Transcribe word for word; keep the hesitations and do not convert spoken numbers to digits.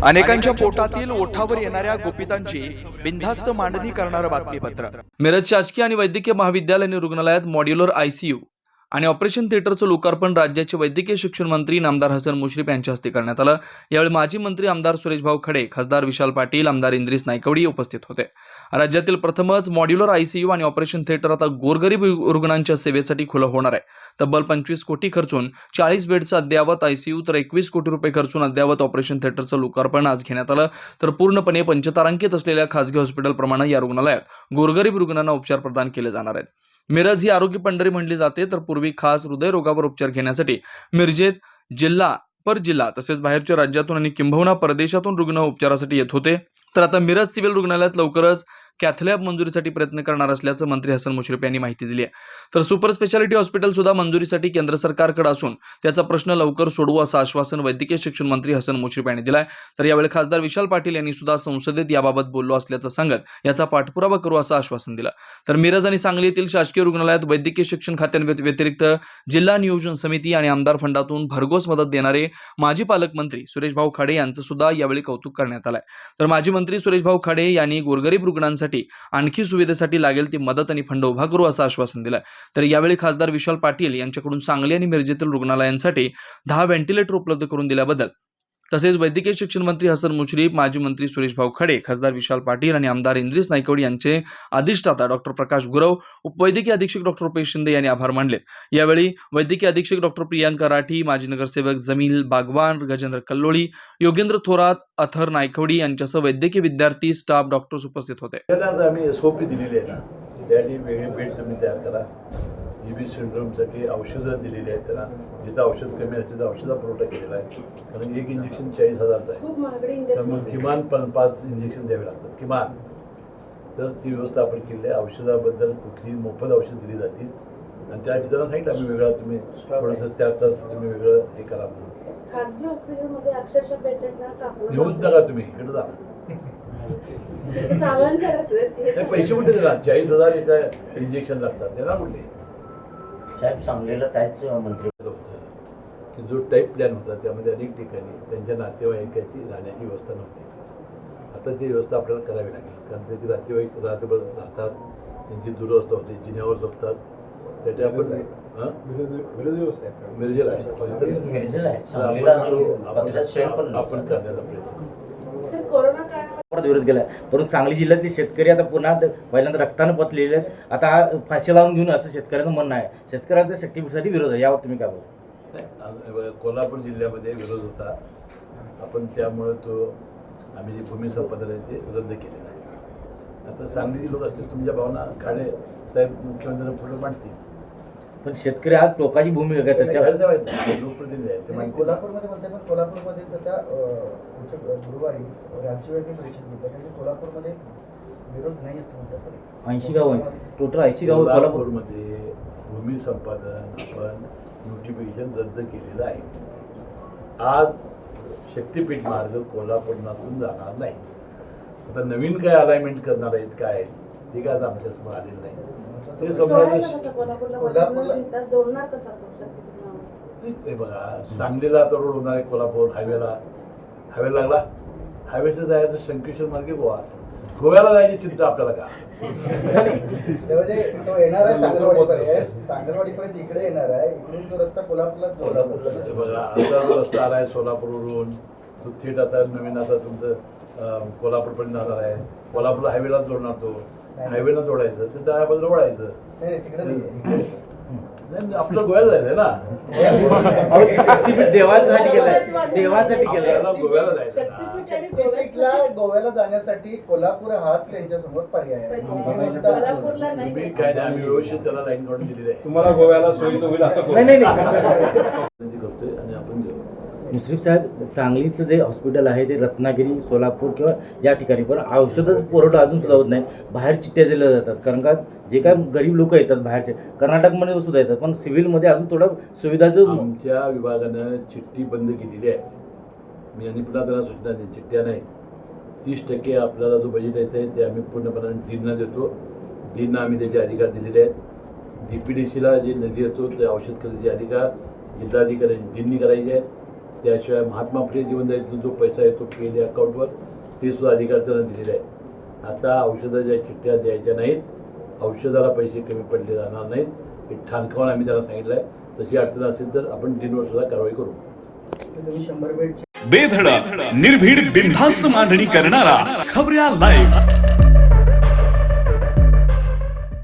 अनेकांच्या पोटातील ओठावर येणाऱ्या गुपितांची बिनधास्त मांडणी करणारं बातमीपत्र। मिरज शासकीय आणि वैद्यकीय महाविद्यालय आणि रुग्णालयात मॉड्युलर आयसीयू आणि ऑपरेशन थिएटरचं लोकार्पण राज्याचे वैद्यकीय शिक्षण मंत्री नामदार हसन मुश्रीफ यांच्या हस्ते करण्यात आलं। यावेळी माजी मंत्री आमदार सुरेशभाऊ खडे, खासदार विशाल पाटील, आमदार इंद्रिस नायकवडी उपस्थित होते। राज्यातील प्रथमच मॉड्युलर आयसीयू आणि ऑपरेशन थिएटर आता गोरगरीब रुग्णांच्या सेवेसाठी खुलं होणार आहे। तब्बल पंचवीस कोटी खर्चून चाळीस बेडचं अद्ययावत आयसीयू तर एकवीस कोटी रुपये खर्चून अद्ययावत ऑपरेशन थिएटरचं लोकार्पण आज घेण्यात आलं। तर पूर्णपणे पंचतारांकित असलेल्या खासगी हॉस्पिटलप्रमाणे या रुग्णालयात गोरगरीब रुग्णांना उपचार प्रदान केले जाणार आहेत। मिरज ही आरोग्य पंढरी म्हणली जाते, तर पूर्वी खास हृदयरोगावर उपचार घेण्यासाठी मिरजेत जिल्हा पर जिल्हा तसेच बाहेरच्या राज्यातून आणि किंबहुना परदेशातून रुग्ण उपचारासाठी येत होते। तर आता मिरज सिव्हिल रुग्णालयात लवकरच कॅथलॅब मंजुरीसाठी प्रयत्न करणार असल्याचं मंत्री हसन मुश्रीफ यांनी माहिती दिली आहे। तर सुपर स्पेशालिटी हॉस्पिटल सुद्धा मंजुरीसाठी केंद्र सरकारकडे असून त्याचा प्रश्न लवकर सोडवू असं आश्वासन वैद्यकीय शिक्षण मंत्री हसन मुश्रीफ यांनी दिलं आहे। तर यावेळी खासदार विशाल पाटील यांनी सुद्धा संसदेत याबाबत बोललो असल्याचं सांगत याचा पाठपुरावा करू असं आश्वासन दिलं। तर मिरज आणि सांगली येथील शासकीय रुग्णालयात वैद्यकीय शिक्षण खात्यांव्यतिरिक्त जिल्हा नियोजन समिती आणि आमदार फंडातून भरघोस मदत देणारे माजी पालकमंत्री सुरेशभाऊ खडे यांचं सुद्धा यावेळी कौतुक करण्यात आलंय। तर माजी मंत्री सुरेशभाऊ खडे यांनी गोरगरीब रुग्णांसाठी आणखी सुविधेसाठी लागेल ती मदत आणि फंड उभा करू असं आश्वासन दिलं। तर यावेळी खासदार विशाल पाटील यांच्याकडून सांगली आणि मिरजेतील रुग्णालयांसाठी दहा व्हेंटिलेटर उपलब्ध करून दिल्याबद्दल तसेच वैद्यकीय शिक्षण मंत्री हसन मुश्रीफ, माजी मंत्री सुरेशभाऊ खडे, खासदार विशाल पाटील आणि आमदार इंद्रिस नायकवडी यांचे अधिष्ठाता डॉक्टर प्रकाश गुरव, उपवैद्यकीय अधीक्षक डॉक्टर रुपेश शिंदे यांनी आभार मानले। यावेळी वैद्यकीय अधीक्षक डॉक्टर प्रियांका राठी, माजी नगरसेवक जमील बागवान, गजेंद्र कल्लोळी, योगेंद्र थोरात, अथर नायकवडी यांच्यासह वैद्यकीय विद्यार्थी, स्टाफ, डॉक्टर्स उपस्थित होते। आम्ही एसओपी दिलेली आहे ना, त्यासाठी वेगळे बेड तुम्ही तयार करा। जीबी सिंड्रोमसाठी औषधं दिलेली आहेत त्यांना, जिथं औषध कमी आहे तिथं औषधा पुरवठा केलेला आहे। कारण एक इंजेक्शन चाळीस हजारचं आहे, त्यामुळे किमान पण पाच इंजेक्शन द्यावे लागतात किमान। तर ती व्यवस्था आपण केली आहे। औषधाबद्दल कुठली मोफत औषध दिली जातील आणि त्या ठिकाणी सांगितलं आम्ही वेगळा तुम्ही थोडंसं त्या तुम्ही वेगळं हे करा म्हणून। खासगी हॉस्पिटलमध्ये अक्षरशः पेशंटला कापून घेऊन नका तुम्ही, इकडे जा। पैसे कुठे देणार? चाळीस हजार एका इंजेक्शन लागतात, देणार कुठले? साहेब सांगलेलं कायच मंत्री होतं की जो टाईप प्लॅन होता त्यामध्ये अनेक ठिकाणी त्यांच्या नातेवाईकाची राहण्याची व्यवस्था नव्हती। आता ती व्यवस्था आपल्याला करावी लागेल, कारण त्याचे नातेवाईक रात्रभर राहतात, त्यांची दुरवस्था होते, जिन्यावर झोपतात। त्यासाठी आपण मिरजेला आपण करण्याचा प्रयत्न करू। परत विरोध केला, परंतु सांगली जिल्ह्यातले शेतकरी आता पुन्हा पहिल्यांदा रक्तानं पतलेले आहेत। आता फाशी लावून घेऊन असं शेतकऱ्यांचं म्हणणं आहे। शेतकऱ्यांच्या शक्तीसाठी विरोध आहे, यावर तुम्ही काय बोलता? कोल्हापूर जिल्ह्यामध्ये विरोध होता, आपण त्यामुळे तो आम्ही जे भूमी संपादन आहे ते रद्द केलेलं आहे। आता सांगलीचे लोक असतील, तुमच्या भावना काळे साहेब मुख्यमंत्र्यांना पुढे मांडतील, पण शेतकरी आज टोकाची भूमिका घेतात, लोकप्रतिनिधी आहेत। कोल्हापूरमध्ये म्हणते, पण कोल्हापूरमध्ये सध्या गुरुवारी राज्यव्यापी परिषद घेतात, म्हणजे कोल्हापूरमध्ये विरोध नाही असं म्हणतात। ऐंशी गाव आहे, टोटल ऐंशी गाव कोल्हापूरमध्ये भूमी संपादन आपण नोटिफिकेशन रद्द केलेलं आहे। आज शक्तीपीठ मार्ग कोल्हापूरनातून जाणार नाही। आता नवीन काय अलाइनमेंट करणार आहेत काय ते काय आता आमच्यासमोर आलेलं नाही। ते हे बघा, सांगलीला आता रोड होणार आहे, कोल्हापूर हायवेला हायवे लागला, हायवेचं जायचं शंकेश्वर मार्गे गोवा, गोव्याला जायची चिंता आपल्याला का? तो येणार आहे सांगलवाडीपर्यंत, सांगलवाडीपर्यंत इकडे येणार आहे, इकडून तो रस्ता कोल्हापूरला हे बघा, आता जो रस्ता आला आहे सोलापूरवरून तो थेट आता नवीन आता तुमचं कोल्हापूरपर्यंत जाणार आहे। कोल्हापूरला हायवेला जोडणार, तो हायवेला जोडायचं, ते डाव्या बाजूला वळायचं। आपलं गोव्याला जायचंय ना, देवांसाठी केलंय, देवांसाठी केलंय, गोव्याला जायचं। गोव्याला जाण्यासाठी कोल्हापूर हाच त्यांच्या समोर पर्याय आहे। तुम्ही काय नाही, आम्ही व्यवस्थित त्याला लाईन काढून दिलेली आहे। तुम्हाला गोव्याला सोयीचं होईल असं नाही नाही करतोय आणि आपण देऊ। मुश्रीफ साहेब, सांगलीचं जे हॉस्पिटल आहे ते रत्नागिरी, सोलापूर किंवा या ठिकाणी, पण औषधाचा पुरवठा अजून सुद्धा होत नाही। बाहेर चिठ्ठ्या दिल्या जातात, कारण का जे काय गरीब लोक येतात बाहेरचे, कर्नाटकमध्ये सुद्धा येतात, पण सिव्हिलमध्ये अजून थोडं सुविधाचं आमच्या विभागानं चिठ्ठी बंद केलेली आहे। मी आणि पुन्हा त्याला सूचना देईन, चिठ्ठ्या नाही, तीस टक्के आपल्याला जो बजेट येतं ते आम्ही पूर्णपणे डीनना देतो। डीनना आम्ही त्याचे अधिकार दिलेले आहेत। डी पी डी सीला जे निधी येतो ते औषध खरेदीचे अधिकार जिल्हाधिकारी डीननी करायचे आहेत। त्याशिवाय महात्मा फुले जीवनदायीतून जो पैसा येतो पी एल अकाउंटवर ते सुद्धा अधिकार त्यांना दिलेले आहे. आता औषधाच्या चिठ्ठ्या द्यायच्या नाहीत, औषधाला पैसे कमी पडले जाणार नाहीत हे ठाणकावून आम्ही त्यांना सांगितलं आहे. तशी अडचण असेल तर आपण डीनवर सुद्धा कारवाई करू. तुम्ही शंभर बेडचे बेधडक निर्भीड बिनधास्त मांडणी करणारा खबऱ्या लाईव्ह.